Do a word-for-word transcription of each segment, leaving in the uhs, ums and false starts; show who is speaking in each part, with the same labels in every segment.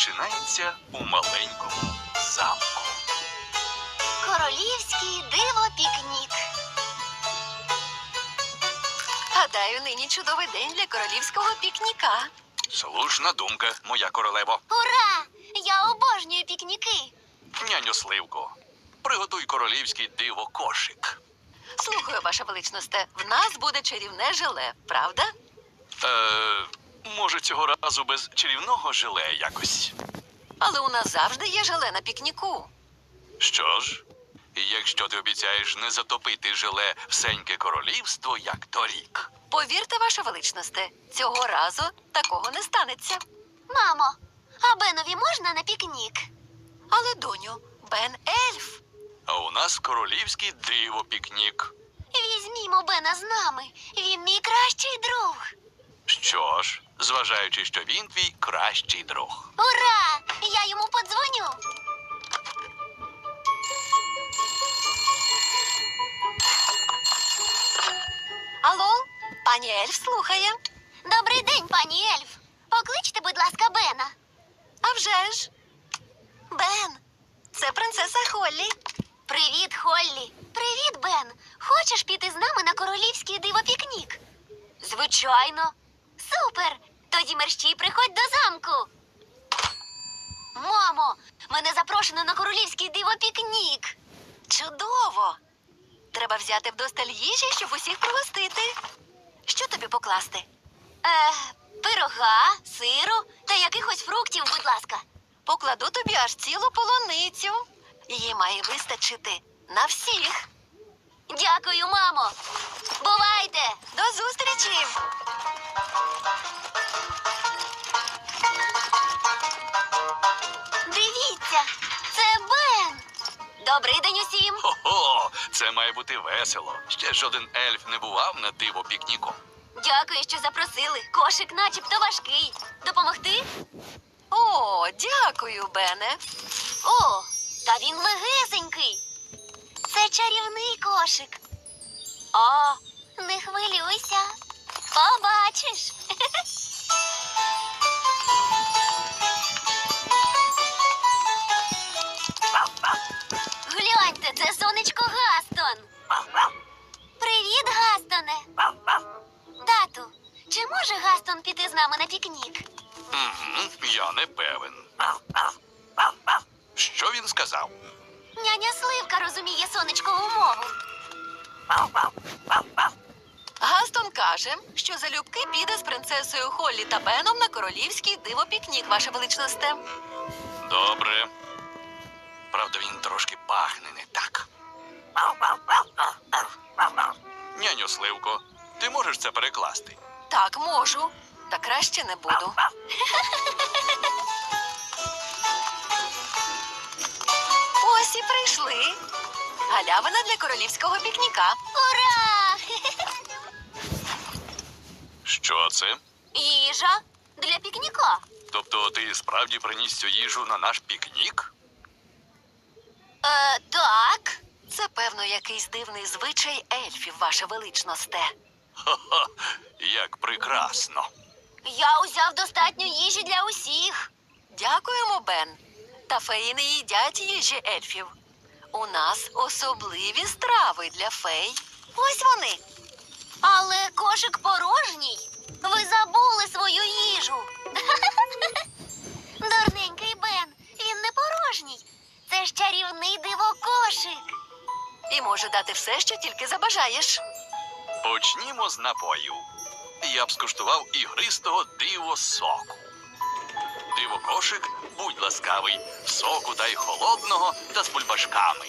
Speaker 1: починається у маленькому замку.
Speaker 2: Королівський диво-пікнік.
Speaker 3: Гадаю, нині чудовий день для королівського пікніка.
Speaker 1: Слушна думка, моя королево.
Speaker 2: Ура! Я обожнюю пікніки.
Speaker 1: Няню Сливко, приготуй королівський диво-кошик.
Speaker 3: Слухаю, ваша величносте, в нас буде чарівне желе, правда?
Speaker 1: Е, може, цього разу без чарівного желе якось.
Speaker 3: Але у нас завжди є желе на пікніку.
Speaker 1: Що ж, якщо ти обіцяєш не затопити желе всеньке королівство, як торік.
Speaker 3: Повірте, ваша величносте, цього разу такого не станеться.
Speaker 2: Мамо, а Бенові можна на пікнік?
Speaker 3: Але, доню, Бен ельф.
Speaker 1: А у нас королівський диво-пікнік.
Speaker 2: Візьмімо Бена з нами. Він мій кращий друг.
Speaker 1: Що ж, зважаючи, що він твій кращий друг.
Speaker 2: Ура! Я йому подзвоню.
Speaker 3: Алло, пані ельф слухає.
Speaker 2: Добрий день, пані Ельф. Покличте, будь ласка, Бена.
Speaker 3: А вже ж. Бен, це принцеса Холлі.
Speaker 2: Привіт, Холлі. Привіт, Бен. Хочеш піти з нами на королівський диво-пікнік? Звичайно. Супер! Тоді мерщій приходь до замку. Мамо, мене запрошено на королівський диво-пікнік.
Speaker 3: Чудово! Треба взяти вдосталь їжі, щоб усіх пригостити. Що тобі покласти?
Speaker 2: Е, пирога, сиру та якихось фруктів, будь ласка.
Speaker 3: Покладу тобі аж цілу полуницю. Її має вистачити на всіх.
Speaker 2: Дякую, мамо. Бувайте!
Speaker 3: До зустрічі!
Speaker 2: Дивіться, це Бен. Добрий день усім.
Speaker 1: Хо-хо, це має бути весело. Ще жоден ельф не бував на диво-пікніку.
Speaker 2: Дякую, що запросили. Кошик начебто важкий. Допомогти?
Speaker 3: О, дякую, Бене.
Speaker 2: О, та він легесенький. Це чарівний кошик. О, не хвилюйся. Побачиш. Гляньте, це сонечко Гастон. Привіт, Гастоне. Тату, чи може Гастон піти з нами на пікнік?
Speaker 1: Угу, я не певен. Що він сказав?
Speaker 2: Няня Сливка розуміє сонечкову мову.
Speaker 3: Гастон каже, що залюбки піде з принцесою Холлі та Беном на королівський диво-пікнік, ваша величносте.
Speaker 1: Добре. Правда, він трошки пахне не так. Няню Сливко, ти можеш це перекласти?
Speaker 3: Так, можу. Та краще не буду. Ось і прийшли. Галявина для королівського пікніка.
Speaker 2: Ура!
Speaker 1: Що це?
Speaker 2: Їжа для пікніка.
Speaker 1: Тобто ти справді приніс цю їжу на наш пікнік?
Speaker 2: Е, так.
Speaker 3: Це, певно, якийсь дивний звичай ельфів, ваша величносте.
Speaker 1: Ха-ха, як прекрасно.
Speaker 2: Я узяв достатньо їжі для усіх.
Speaker 3: Дякуємо, Бен. Та феї не їдять їжі ельфів. У нас особливі страви для фей. Ось вони.
Speaker 2: Але кошик порожній. Ви забули свою їжу. Дурненький Бен, він не порожній. Це ж чарівний диво-кошик.
Speaker 3: І може дати все, що тільки забажаєш.
Speaker 1: Почнімо з напою. Я б скуштував ігристого диво-соку. Диво-кошик, будь ласкавий, соку дай холодного та з бульбашками.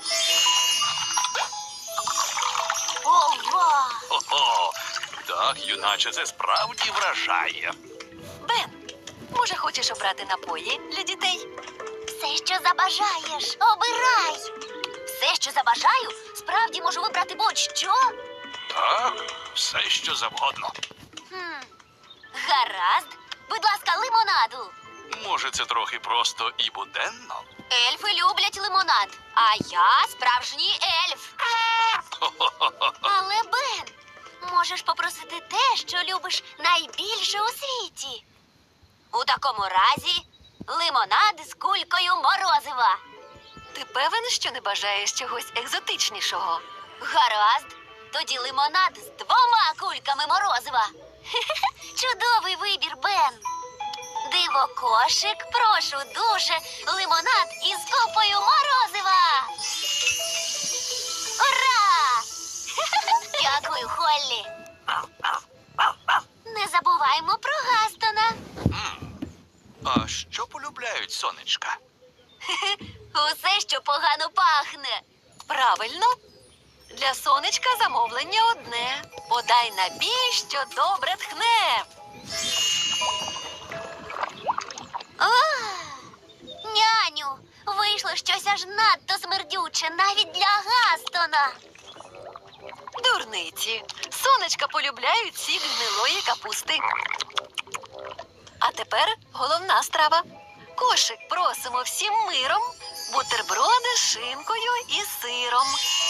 Speaker 2: Ова!
Speaker 1: Хо-хо, так, юначе, це справді вражає.
Speaker 3: Бен, може, хочеш обрати напої для дітей?
Speaker 2: Все, що забажаєш, обирай. Все, що забажаю, справді можу вибрати будь-що.
Speaker 1: Так, все, що завгодно.
Speaker 2: Хм. Гаразд. Будь ласка, лимонаду.
Speaker 1: Може, це трохи просто і буденно?
Speaker 2: Ельфи люблять лимонад, а я справжній ельф.
Speaker 1: Хо-хо-хо.
Speaker 2: Але, Бен, можеш попросити те, що любиш найбільше у світі. У такому разі лимонад з кулькою морозива.
Speaker 3: Ти певен, що не бажаєш чогось екзотичнішого?
Speaker 2: Гаразд. Тоді лимонад з двома кульками морозива. Чудовий вибір, Бен. Диво кошик, прошу дуже, лимонад із копою морозива. Ура! Дякую, Холлі. Не забуваймо про Гастона.
Speaker 1: М. А що полюбляють сонечка?
Speaker 2: Усе, що погано пахне.
Speaker 3: Правильно. Для сонечка замовлення одне. Подай набій, що добре тхне.
Speaker 2: Ах! Няню, вийшло щось аж надто смердюче навіть для Гастона.
Speaker 3: Дурниці. Сонечка полюбляють сік гнилої капусти. А тепер головна страва. Кошик просимо всім миром. Бутерброди з шинкою і сиром.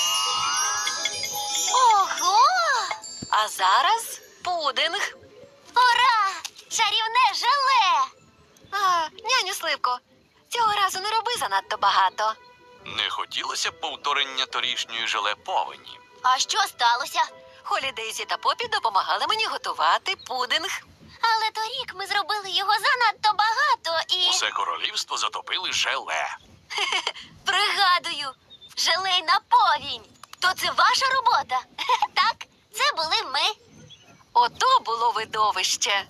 Speaker 2: Ого!
Speaker 3: А зараз пудинг.
Speaker 2: Ура! Чарівне желе!
Speaker 3: А, няню Сливко, цього разу не роби занадто багато.
Speaker 1: Не хотілося б повторення торішньої желе повені.
Speaker 2: А що сталося?
Speaker 3: Холі, Дейзі та Попі допомагали мені готувати пудинг.
Speaker 2: Але торік ми зробили його занадто багато і...
Speaker 1: Усе королівство затопили желе.
Speaker 2: Пригадую, желейна повінь. То це ваша робота? Так, це були ми.
Speaker 3: Ото було видовище.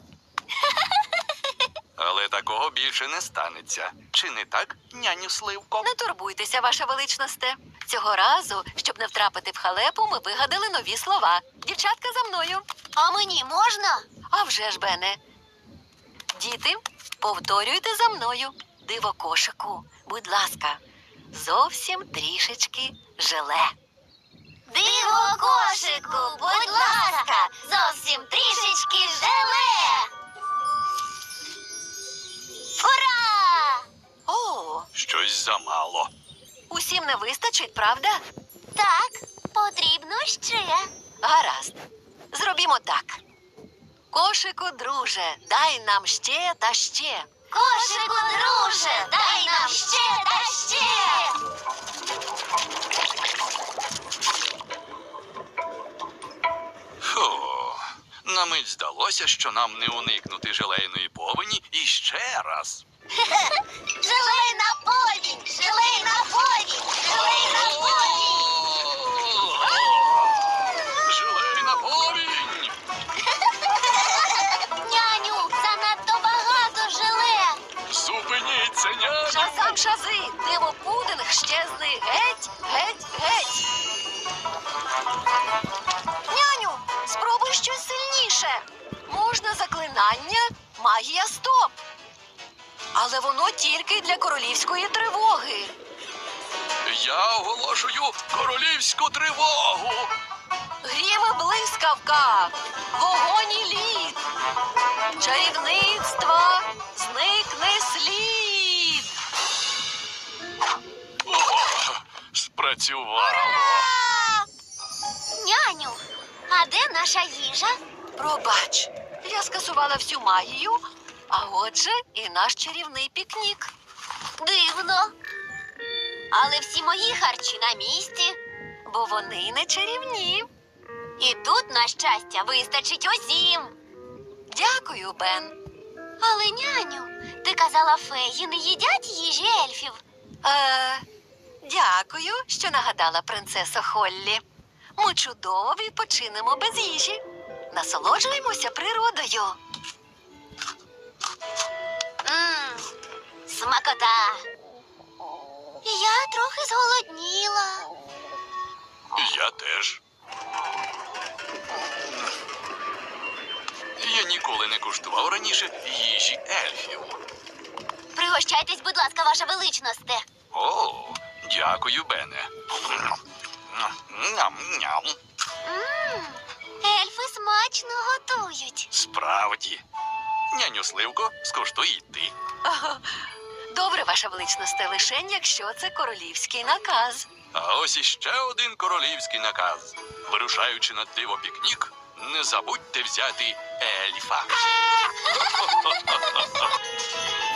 Speaker 1: Але такого більше не станеться. Чи не так, няню Сливко?
Speaker 3: Не турбуйтеся, ваша величносте. Цього разу, щоб не втрапити в халепу, ми вигадали нові слова. Дівчатка, за мною.
Speaker 2: А мені можна?
Speaker 3: А вже ж, Бене. Діти, повторюйте за мною. Диво кошику, будь ласка, зовсім трішечки желе.
Speaker 2: Диво кошику, будь ласка, зовсім трішечки желе. Ура!
Speaker 3: О,
Speaker 1: Щось замало.
Speaker 3: усім не вистачить, правда?
Speaker 2: Так, потрібно ще.
Speaker 3: Гаразд. Зробімо так. Кошику, друже, дай нам ще та ще.
Speaker 2: Кошику, друже, дай нам ще та ще.
Speaker 1: Фу. На мить здалося, що нам не уникнути желейної повені і ще раз.
Speaker 2: Желейна повінь, желейна повінь, желейна повінь.
Speaker 1: Желейна повінь!
Speaker 2: Няню, занадто багато желе.
Speaker 1: Зупиніться, няню!
Speaker 3: Шазам шази, диво пудинг щезли геть, геть, геть. Няню, спробуй щось сильніше. Можна заклинання магія стоп. Але воно тільки для королівської тривоги.
Speaker 1: Я оголошую королівську тривогу!
Speaker 3: Грім і блискавка, вогонь і лід, чарівництва зникне слід.
Speaker 1: О, спрацювало!
Speaker 2: Няню, а де наша їжа?
Speaker 3: Пробач, я скасувала всю магію, а отже і наш чарівний пікнік.
Speaker 2: Дивно. Але всі мої харчі на місці.
Speaker 3: Бо вони не чарівні.
Speaker 2: І тут, на щастя, вистачить усім.
Speaker 3: Дякую, Бен.
Speaker 2: Але, няню, ти казала, феї не їдять їжі ельфів.
Speaker 3: Е, дякую, що нагадала принцесо Холлі. Ми чудово відпочинемо без їжі. Насолоджуємося природою.
Speaker 2: Мм, смакота. Я трохи зголодніла.
Speaker 1: Я теж. Я ніколи не куштував раніше їжі ельфів.
Speaker 2: Пригощайтесь, будь ласка, ваша величносте.
Speaker 1: О, дякую, Бене. Ням-ням.
Speaker 2: Мм, ельфи смачно готують.
Speaker 1: Справді. Няню Сливко, скуштуй і ти.
Speaker 3: Добре, ваша величносте, лишень, якщо це королівський наказ.
Speaker 1: А ось іще один королівський наказ. Вирушаючи на диво пікнік, не забудьте взяти ельфа.